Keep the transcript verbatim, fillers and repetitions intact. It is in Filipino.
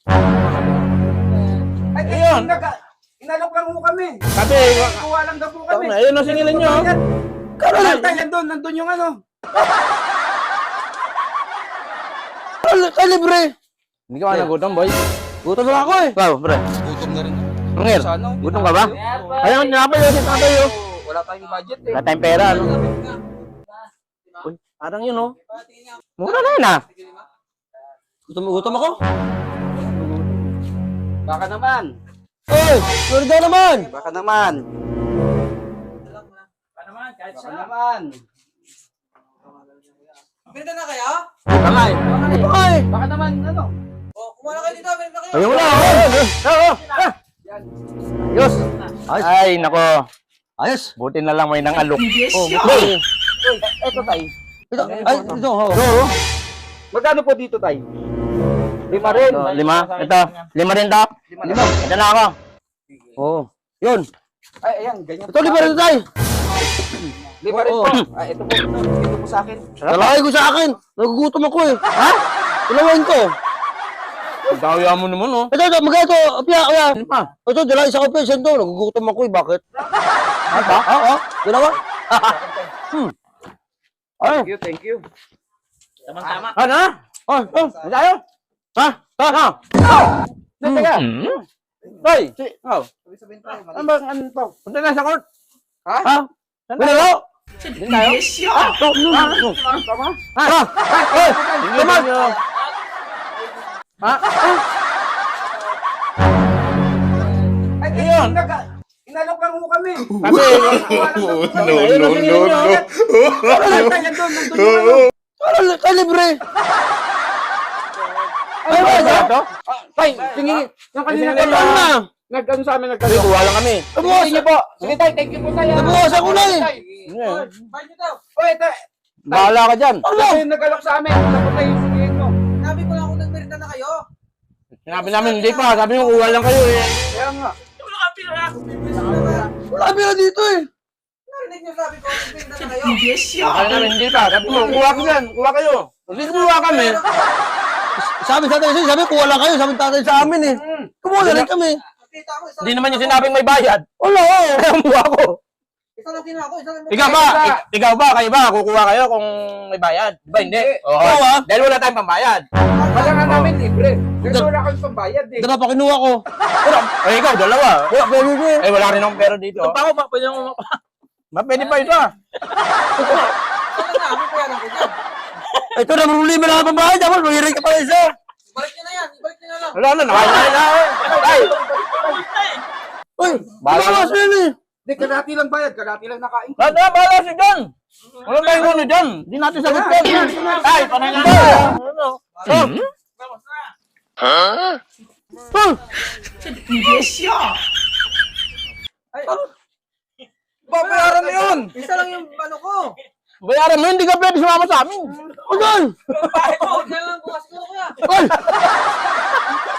Ay, Ayun. nag- inalok lang ho kami. Sabi, Kuha lang daw po kami. ayun ang singilan nyo. Karoon tayo nandun, nandun yung ano. Ay, libre. Hindi ka nagutom, boy. Gutom na ako eh. Ikaw, pre. Gutom na rin. Angel, Sana, gutom ka ba? Ayun, tinapay yun, tinapay yun. Wala tayong budget eh. Wala tayong pera, ano? Uy, parang yun, oh. Mura na yun, ah. Gutom, gutom ako. Baka naman. Oy, sorry daw naman. Baka naman. Baka naman, kahit Baka siya. naman. Benta na kayo? Ito nga, eh. Ito ka eh. Baka naman, ano? O, kumuha na kayo dito, benta kayo. Ayun na, oh. Oo, ah. Ayos. Ay, nako. Ayos. Buti na lang may nang alok. Oh, Boy, Ito tayo. Ito, ay, ito. Oh. oo. Magkano po dito tayo? Lima rin. Ito, lima. Ito, lima rin to. Lima. Ito na ako. Oh. Yun. Ay, ayan, ganyan. Ito, libre na tayo. Lima rin Oo. po. Ay, ito po. Ito, ito po sa akin. Talakay ko sa akin. Nagugutom ako eh. Ha? Ilawain ko. Daya mo naman, oh. Ito, ito, magkano ito? Piya, piya. Ano pa? Ito, dala isa ko pa. Saan ito? Nagugutom ako eh. Bakit? Ano pa? Oo, oo. Dalawa. Hmm. Ay. Thank you, thank you. Tama-tama. Ano? Oh, oh. Ano tayo? Ha? Ha? Ha? Ano teka? Hoy! Oh. Sabi-sabihin tayo. Ano ba? Ano to? Punta na sa court. Ha? Ha? Saan tayo? Ano? Din tayo? Yes, Oh, no, no. Tama? Ha? Ha? Hoy! Tama! Ha? Ay, Ayun. nag- inalok lang ho kami. Sabi, No, no, no, no. Tayo nandun, nandun yung ano. Ano, ay, libre. Ano ba ito? Ah, Tay, tingin. Yung kanina Tingin tayo. na. Nag-ano sa amin, Sabi, nagkano. kuha lang kami. Sige niyo po. Sige tay, thank you po tayo. Nabawasan ko na eh. Ano? Bayad nyo daw. Oy, tay. Bahala ka dyan. Ano yung nag-alok sa amin? Tapos tayo yung sabihin mo. Sabi ko lang kung nagmerenda na kayo. Sinabi namin, hindi pa. Sabi mo, kuha lang kayo eh. Kaya nga. Wala ka pila. Narinig Wala pila dito eh. nyo sabi ko, nagmerenda na kayo. Yes, Sabi namin, hindi pa. Sabi mo, kuha ko dyan. Kuha kayo. Hindi kumuha kami. Sabi sa tatay, sabi kuha lang kayo. Sabi ng tatay sa amin eh. Kumuha na rin kami. Nakita ko, isa Hindi naman yung sinabing may bayad. Wala oh. Kaya kumuha ko. Isa lang kinuha ko, isa lang. Ikaw ba? Ik- Ikaw ba? Kayo ba? Kukuha kayo kung may bayad? Di ba hindi? Oo. Oo, ah. Dahil wala tayong pambayad. Wala nga namin libre. Kasi wala kami pambayad eh. Dala pa kinuha ko. Eh, ikaw, dalawa. Wala, pwede ko eh. Eh, wala rin akong pera dito. Pa ako, pa, pwede mo pa. Ma, pwede pa ito ah. Sana na, ako kaya lang ko dyan. Ito na, marulima na ang pambayad. Tapos mahirin ka pa isa. Ibalik nyo na yan, ibalik nyo na lang. Wala na, nakakain na eh. Ay! Uy, Bahala bawas ka. na yun eh. Hindi, kalati lang bayad. Kalati lang nakain. Lahat na, bahala si John. Wala tayong ano dyan. Hindi natin sagot yan. Ay, panay na. Ano? Oh. Yes, yeah. Babayaran na yun. Isa lang yung ano ko. Bayaran mo, hindi ka pwede sumama sa amin. Ugan! Bakit ko? Kaya lang bukas ko kuya. Uy!